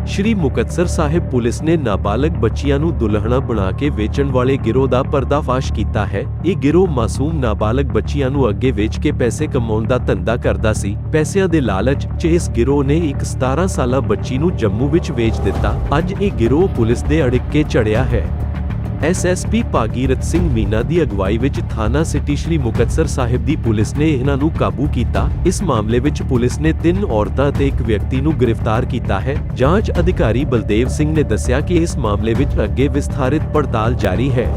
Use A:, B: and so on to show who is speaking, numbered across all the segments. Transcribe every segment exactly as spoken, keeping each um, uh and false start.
A: ਸ਼੍ਰੀ ਮੁਕਤਸਰ ਸਾਹਿਬ police ਨੇ ਨਾਬਾਲਗ ਬੱਚੀਆਂ ਨੂੰ ਦੁਲਹਣਾ ਬਣਾ ਕੇ ਵੇਚਣ ਵਾਲੇ ਗਿਰੋਹ ਦਾ ਪਰਦਾਫਾਸ਼ ਕੀਤਾ ਹੈ। ਇਹ ਗਿਰੋਹ ਮਾਸੂਮ ਨਾਬਾਲਗ ਬੱਚੀਆਂ ਨੂੰ ਅੱਗੇ ਵੇਚ ਕੇ ਪੈਸੇ ਕਮਾਉਣ ਦਾ ਧੰਦਾ ਕਰਦਾ ਸੀ। ਪੈਸਿਆਂ ਦੇ ਲਾਲਚ 'ਚ ਇਸ ਗਿਰੋਹ ਨੇ ਇੱਕ ਸਤਾਰਾਂ ਸਾਲਾ ਬੱਚੀ ਨੂੰ ਜੰਮੂ ਵਿੱਚ ਵੇਚ ਦਿੱਤਾ। ਅੱਜ ਇਹ ਗਿਰੋਹ ਪੁਲਿਸ ਦੇ ਅੜਿੱਕੇ ਚੜਿਆ ਹੈ। S S P Bhagirath Singh Meena ਦੀ ਅਗਵਾਈ ਵਿੱਚ ਥਾਣਾ ਸਿਟੀ ਸ਼੍ਰੀ ਮੁਕਤਸਰ ਸਾਹਿਬ ਦੀ ਪੁਲਿਸ ਨੇ ਇਹਨਾਂ ਨੂੰ ਕਾਬੂ ਕੀਤਾ। ਇਸ ਮਾਮਲੇ ਵਿੱਚ ਪੁਲਿਸ ਨੇ ਤਿੰਨ ਔਰਤਾਂ ਅਤੇ ਇੱਕ ਵਿਅਕਤੀ ਨੂੰ ਗ੍ਰਿਫਤਾਰ ਕੀਤਾ ਹੈ। ਜਾਂਚ ਅਧਿਕਾਰੀ ਬਲਦੇਵ ਸਿੰਘ ਨੇ ਦੱਸਿਆ ਕਿ ਇਸ ਮਾਮਲੇ ਵਿੱਚ ਅੱਗੇ ਵਿਸਥਾਰਿਤ ਪੜਤਾਲ ਜਾਰੀ ਹੈ।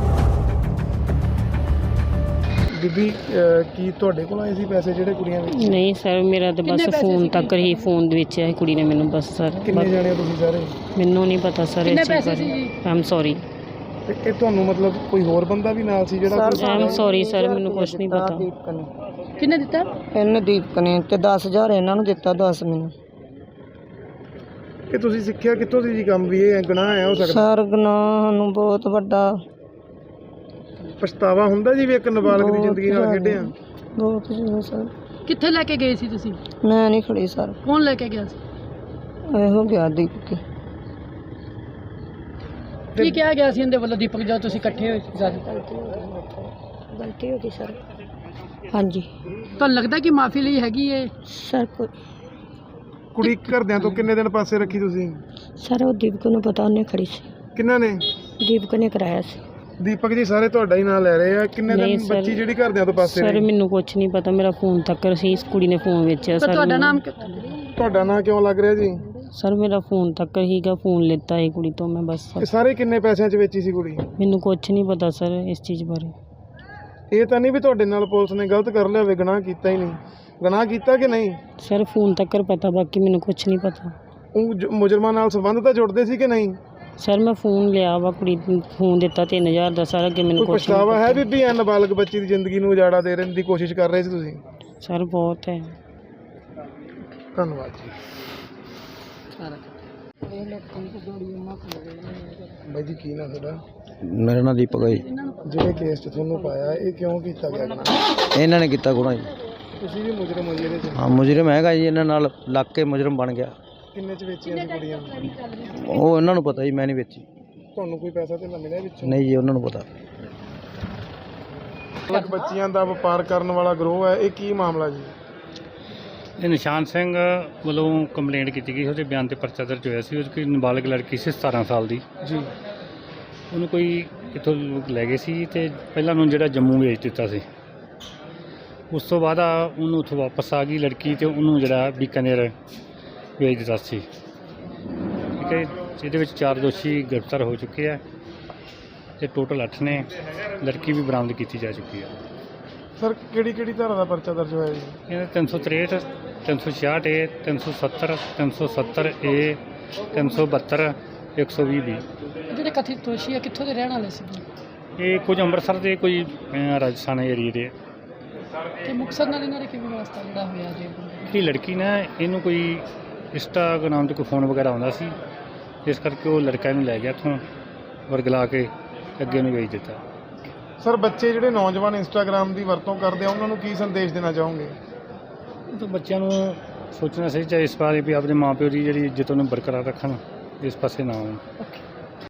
B: ਬੀਬੀ ਕੀ ਤੁਹਾਡੇ ਕੋਲ ਆਏ ਸੀ ਪੈਸੇ ਜਿਹੜੇ ਕੁੜੀਆਂ ਵਿੱਚ?
C: ਨਹੀਂ ਸਰ, ਮੇਰਾ ਤਾਂ ਬਸ ਫੋਨ ਤੱਕ ਹੀ ਫੋਨ ਦੇ ਵਿੱਚ ਹੈ ਕੁੜੀ ਨੇ ਮੈਨੂੰ ਬਸ ਸਰ।
B: ਕਿੰਨੇ ਜਾਣੇ ਤੁਸੀਂ ਸਾਰੇ?
C: ਮੈਨੂੰ ਨਹੀਂ ਪਤਾ ਸਰ ਇਸ ਚੀਜ਼ ਬਾਰੇ। I am sorry.
B: ਤੇ ਇਹ ਤੁਹਾਨੂੰ ਮਤਲਬ ਕੋਈ ਹੋਰ ਬੰਦਾ ਵੀ ਨਾਲ ਸੀ ਜਿਹੜਾ?
C: ਆਈ ਐਮ ਸੌਰੀ ਸਰ, ਮੈਨੂੰ ਕੁਝ ਨਹੀਂ ਪਤਾ।
D: ਕਿੰਨੇ ਦਿੱਤਾ?
E: ਇਹਨੇ ਦੀਪਕ ਨੇ ਤੇ ਦਸ ਹਜ਼ਾਰ ਇਹਨਾਂ ਨੂੰ ਦਿੱਤਾ, ਦਸ ਮੈਨੂੰ।
B: ਇਹ ਤੁਸੀਂ ਸਿੱਖਿਆ ਕਿੱਥੋਂ ਸੀ ਜੀ ਕੰਮ ਵੀ ਇਹ ਗੁਨਾਹ ਹੈ ਹੋ ਸਕਦਾ?
E: ਸਰ ਗੁਨਾਹ ਨੂੰ ਬਹੁਤ ਵੱਡਾ
B: ਪਛਤਾਵਾ ਹੁੰਦਾ ਜੀ ਵੀ ਇੱਕ ਨਾਬਾਲਗ ਦੀ ਜ਼ਿੰਦਗੀ ਨਾਲ ਖੇਡਿਆ?
E: ਬਹੁਤ ਜ਼ਿਆਦਾ ਸਰ।
D: ਕਿੱਥੇ ਲੈ ਕੇ ਗਏ ਸੀ ਤੁਸੀਂ?
E: ਮੈਂ ਨਹੀਂ ਖੜੀ ਸਰ।
D: ਕੌਣ ਲੈ ਕੇ ਗਿਆ ਸੀ?
E: ਇਹੋ ਗਿਆ ਦੀਪਕ।
D: ਕੀ ਕਿਹਾ ਗਿਆ ਸੀ ਇਹਦੇ ਵੱਲੋਂ ਦੀਪਕ ਜਦ ਤੁਸੀਂ ਇਕੱਠੇ ਹੋਏ ਸੀ ਸਾਰੇ?
E: ਗਲਤੀ ਹੋ ਗਈ ਸਰ। ਹਾਂਜੀ
D: ਤੁਹਾਨੂੰ ਲੱਗਦਾ ਕਿ ਮਾਫੀ ਲਈ ਹੈਗੀ ਏ?
E: ਸਰ ਕੋਈ
B: ਕੁੜੀ ਘਰਦਿਆਂ ਤੋਂ ਕਿੰਨੇ ਦਿਨ ਪਾਸੇ ਰੱਖੀ ਤੁਸੀਂ?
E: ਸਰ ਉਹ ਦੀਪਕ ਨੂੰ ਪਤਾ, ਉਹਨੇ ਖੜੀ ਸੀ।
B: ਕਿੰਨਾਂ ਨੇ?
E: ਦੀਪਕ ਨੇ ਕਰਾਇਆ ਸੀ।
B: ਦੀਪਕ ਜੀ ਸਾਰੇ ਤੁਹਾਡਾ ਹੀ ਨਾਂ ਲੈ ਰਹੇ ਆ। ਕਿੰਨੇ ਦਿਨ ਬੱਚੀ ਜਿਹੜੀ ਘਰਦਿਆਂ ਤੋਂ ਪਾਸੇ
C: ਸਰ
B: ਰਹੀ?
C: ਮੈਨੂੰ ਕੁਝ ਨਹੀਂ ਪਤਾ, ਮੇਰਾ ਫੋਨ ਤੱਕ ਸੀ। ਇਸ ਕੁੜੀ ਨੇ ਫੋਨ ਵੇਚਿਆ ਸਰ।
D: ਤੁਹਾਡਾ ਨਾਮ?
B: ਤੁਹਾਡਾ ਨਾਂ ਕਿਉਂ ਲੱਗ ਰਿਹਾ ਜੀ?
C: ਸਰ ਮੇਰਾ ਫੋਨ ਤੱਕ ਹੀਗਾ, ਫੋਨ ਲਿੱਤਾ ਇਹ ਕੁੜੀ ਤੋਂ ਮੈਂ ਬਸ।
B: ਇਹ ਸਾਰੇ ਕਿੰਨੇ ਪੈਸਿਆਂ 'ਚ ਵੇਚੀ ਸੀ ਕੁੜੀ?
C: ਮੈਨੂੰ ਕੁਝ ਨਹੀਂ ਪਤਾ ਸਰ ਇਸ ਚੀਜ਼ ਬਾਰੇ।
B: ਇਹ ਤਾਂ ਨਹੀਂ ਵੀ ਤੁਹਾਡੇ ਨਾਲ ਪੁਲਿਸ ਨੇ ਗਲਤ ਕਰ ਲਿਆ ਹੋਵੇ, ਗੁਨਾਹ ਕੀਤਾ ਹੀ ਨਹੀਂ? ਗੁਨਾਹ ਕੀਤਾ ਕਿ ਨਹੀਂ?
C: ਸਰ ਫੋਨ ਤੱਕ ਪਤਾ, ਬਾਕੀ ਮੈਨੂੰ ਕੁਝ ਨਹੀਂ ਪਤਾ।
B: ਉਹ ਜ- ਮੁਜਰਮਾਂ ਨਾਲ ਸੰਬੰਧ ਤਾਂ ਜੁੜਦੇ ਸੀ ਕਿ ਨਹੀਂ?
C: ਸਰ ਮੈਂ ਫੋਨ ਲਿਆ ਵਾ, ਕੁੜੀ ਨੂੰ ਫੋਨ ਦਿੱਤਾ ਤਿੰਨ ਹਜ਼ਾਰ ਦਾ ਸਰ। ਅੱਗੇ ਮੈਨੂੰ
B: ਕੋਈ
C: ਕੁਝ
B: ਪਛਤਾਵਾ ਹੈ ਬੀਬੀ ਐ ਨਾਬਾਲਗ ਬੱਚੀ ਦੀ ਜ਼ਿੰਦਗੀ ਨੂੰ ਉਜਾੜਾ ਦੇ ਰਹਿਣ ਦੀ ਕੋਸ਼ਿਸ਼ ਕਰ ਰਹੇ ਸੀ ਤੁਸੀਂ?
C: ਸਰ ਬਹੁਤ ਹੈ।
B: ਧੰਨਵਾਦ ਜੀ। ਬਾਈ ਜੀ ਕੀ ਨਾਮ ਤੁਹਾਡਾ?
F: ਮੇਰਾ ਨਾਮ ਦੀਪਕ ਹੈ ਜੀ।
B: ਜਿਹੜੇ ਕੇਸ 'ਚ ਤੁਹਾਨੂੰ ਪਾਇਆ ਇਹ ਕਿਉਂ ਕੀਤਾ ਗਿਆ?
F: ਇਹਨਾਂ ਨੇ ਕੀਤਾ ਗੁਨਾਹ ਜੀ।
B: ਤੁਸੀਂ ਵੀ ਮੁਜਰਮ ਹੋ ਜੀ ਇਹਦੇ 'ਚ?
F: ਹਾਂ ਮੁਜਰਮ ਹੈਗਾ ਜੀ, ਇਹਨਾਂ ਨਾਲ ਲੱਗ ਕੇ ਮੁਜਰਮ ਬਣ ਗਿਆ।
B: ਕਿੰਨੇ 'ਚ ਵੇਚੀਆਂ ਸੀ ਕੁੜੀਆਂ?
F: ਉਹ ਇਹਨਾਂ ਨੂੰ ਪਤਾ ਜੀ, ਮੈਂ ਨਹੀਂ ਵੇਚੀ।
B: ਤੁਹਾਨੂੰ ਕੋਈ ਪੈਸਾ ਤੇ ਨਾ ਮਿਲਿਆ ਵਿੱਚੋਂ?
F: ਨਹੀਂ ਜੀ, ਉਹਨਾਂ ਨੂੰ ਪਤਾ।
B: ਬੱਚੀਆਂ ਦਾ ਵਪਾਰ ਕਰਨ ਵਾਲਾ ਗਰੋਹ ਹੈ, ਇਹ ਕੀ ਮਾਮਲਾ ਜੀ?
G: ਇਹ ਨਿਸ਼ਾਨ ਸਿੰਘ ਵੱਲੋਂ ਕੰਪਲੇਂਟ ਕੀਤੀ ਗਈ, ਉਹਦੇ ਬਿਆਨ ਤੇ ਪਰਚਾ ਦਰਜ ਹੋਇਆ ਸੀ। ਉਹਦੀ ਕੋਈ ਨਾਬਾਲਗ ਲੜਕੀ ਸੀ ਸਤਾਰਾਂ ਸਾਲ ਦੀ
B: ਜੀ।
G: ਉਹਨੂੰ ਕੋਈ ਇੱਥੋਂ ਲੋਕ ਲੈ ਗਏ ਸੀ ਤੇ ਪਹਿਲਾਂ ਉਹਨੂੰ ਜਿਹੜਾ ਜੰਮੂ ਵੇਚ ਦਿੱਤਾ ਸੀ। ਉਸ ਤੋਂ ਬਾਅਦ ਆ ਉਹਨੂੰ ਉੱਥੋਂ ਵਾਪਸ ਆ ਗਈ ਲੜਕੀ ਤੇ ਉਹਨੂੰ ਜਿਹੜਾ ਬੀਕਾਨੇਰ ਵੇਚ ਦਿੱਤਾ ਸੀ। ਠੀਕ ਹੈ, ਇਹਦੇ ਵਿੱਚ ਚਾਰ ਦੋਸ਼ੀ ਗ੍ਰਿਫਤਾਰ ਹੋ ਚੁੱਕੇ ਆ ਤੇ ਟੋਟਲ ਅੱਠ ਨੇ। ਲੜਕੀ ਵੀ ਬਰਾਮਦ ਕੀਤੀ ਜਾ ਚੁੱਕੀ ਹੈ।
B: ਸਰ ਕਿਹੜੀ ਕਿਹੜੀ ਧਾਰਾ ਦਾ ਪਰਚਾ ਦਰਜ ਹੋਇਆ ਜੀ?
G: ਇਹਨਾਂ ਤਿੰਨ ਸੌ ਤਰੇਹਠ, ਤਿੰਨ ਸੌ ਛਿਆਹਠ ਏ, ਤਿੰਨ ਸੌ ਸੱਤਰ, ਤਿੰਨ ਸੌ ਸੱਤਰ ਏ, ਤਿੰਨ ਸੌ ਬਹੱਤਰ, ਇੱਕ ਸੌ ਵੀਹ ਵੀ।
D: ਜਿਹੜੇ ਕਥਿਤ ਦੋਸ਼ੀ ਆ ਕਿੱਥੋਂ ਦੇ ਰਹਿਣ ਵਾਲੇ ਸੀ?
G: ਇਹ ਕੁਝ ਅੰਮ੍ਰਿਤਸਰ ਦੇ, ਕੋਈ ਅਹ, ਰਾਜਸਥਾਨ ਏਰੀਏ ਦੇ।
D: ਤੇ ਮੁਕਤਸਰ ਨਾਲ ਇਹਨਾਂ ਦੇ ਕਿਵੇਂ ਵਾਸਤਾ ਜਿਹੜਾ ਹੋਇਆ ਜੀ?
G: ਜਿਹੜੀ ਲੜਕੀ ਨਾ ਇਹਨੂੰ ਕੋਈ ਇੰਸਟਾਗ੍ਰਾਮ 'ਤੇ ਕੋਈ ਫੋਨ ਵਗੈਰਾ ਆਉਂਦਾ ਸੀ, ਇਸ ਕਰਕੇ ਉਹ ਲੜਕਾ ਇਹਨੂੰ ਲੈ ਗਿਆ ਇੱਥੋਂ ਵਰਗਲਾ ਕੇ ਅੱਗੇ ਨੂੰ ਵੇਚ ਦਿੱਤਾ।
B: ਸਰ ਬੱਚੇ ਜਿਹੜੇ ਨੌਜਵਾਨ ਇੰਸਟਾਗ੍ਰਾਮ ਦੀ ਵਰਤੋਂ ਕਰਦੇ ਆ ਉਹਨਾਂ ਨੂੰ ਕੀ ਸੰਦੇਸ਼ ਦੇਣਾ ਚਾਹੋਗੇ?
G: ਤਾਂ ਬੱਚਿਆਂ ਨੂੰ ਸੋਚਣਾ ਚਾਹੀਦਾ ਇਸ ਬਾਰੇ ਵੀ ਆਪਣੇ ਮਾਂ ਪਿਓ ਦੀ ਜਿਹੜੀ ਇੱਜ਼ਤ ਉਹਨੂੰ ਬਰਕਰਾਰ ਰੱਖਣ, ਇਸ ਪਾਸੇ ਨਾ ਆਉਣ।